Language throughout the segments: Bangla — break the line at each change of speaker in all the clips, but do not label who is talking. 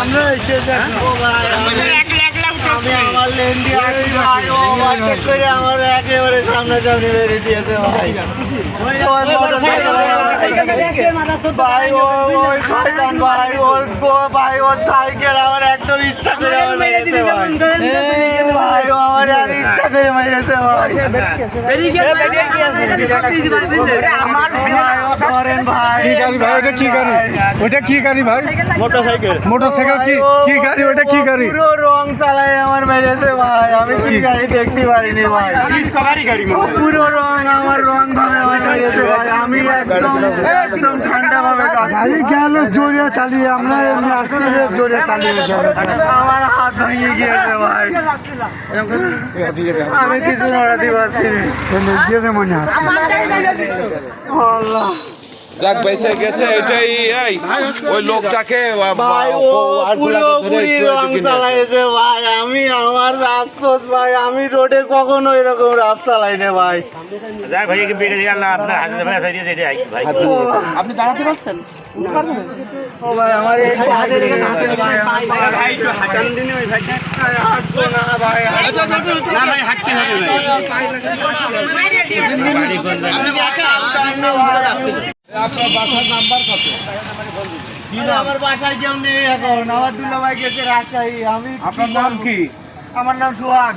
আমরা এসে দেখো ভাই আমি আমার লেন দিয়ে আসি ভাই ও চেক করে আমার একেবারে সামনাসামনি বেরিয়ে দিয়েছে ভাই ভাই ওই শয়তান ভাই ভাই ওর সাইকেল আমার একদম ইচ্ছা করে আমার মেরেছে ভাই ভাই ও আমার আর ইচ্ছা করে মেরেছে ভাই আমার ভাই ও ধরেন ভাই
কি গাড়ি ভাই ওটা কি গাড়ি ওটা কি গাড়ি ভাই মোটরসাইকেল কি গাড়ি ওটা কি গাড়ি
পুরো রং চালায় আমার মেরেছে ভাই আমি কি গাড়ি দেখতে পারিনি ভাই পুরো রং আমার রং ভাবে আমার মেরেছে ভাই আমি একদম ঠান্ডা ভাবে
গাড়ি গেল জোরে চালিয়ে আমরা এমনি আসতে জোরে চালিয়ে
আমার হাত ভেঙে গিয়েছে ভাই আমি কিছু নড়াতে পারছি না
মনে হয়
আল্লাহ
যাক বেঁচে গেছে এটাই এই ওই লোকটাকে
ভাই ও পুরোপুরি রং চালাইছে ভাই আমি আমার আফসোস ভাই আমি রোডে কখনো এরকম রাফ চালাই না ভাই
আপনি দাঁড়াতে পারছেন?
ও ভাই আমার এই হাতে লেগে হাতে ভাই ভাই একটু হাঁটান দিনে ওই ভাই হাঁটবো না ভাই না ভাই হাঁটতে হবে
আপনার বাসার নাম্বার কত?
আমার বাসায় কেউ নেই এখন আমার দুলা ভাই গেছে রাজশাহী আমি
আপনার নাম কি?
আমার নাম সোহাগ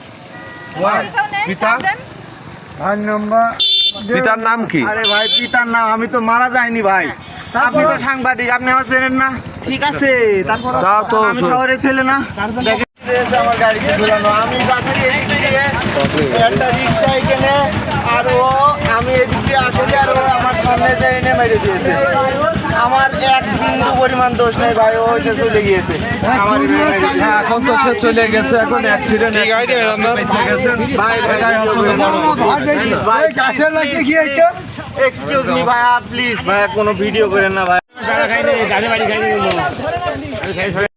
পিতা ভাই নাম্বার
পিতার নাম কি?
আরে ভাই পিতার নাম আমি তো মারা যাইনি ভাই আপনি তো সাংবাদিক আপনি আমার চেনেন না
ঠিক আছে, তারপর
তাও তো
আমি শহরে ছেলে না দেখেন রয়েছে আমার গাড়িতে ঝুলানো আমি যাচ্ছি এদিক দিয়ে একটা রিক্সা এখানে আর ও আমি এদিক দিয়ে আসলে আর ও আমার সামনে যে এনে মেরে দিয়েছে আমার এক বিন্দু পরিমাণ দোষ নেই ভাই ও যে চলে গিয়েছে আমার
এখন তো সে চলে গেছে এখন অ্যাক্সিডেন্ট
এক্সকিউজ মি ভাইয়া প্লিজ ভাইয়া কোনো ভিডিও করেন না ভাই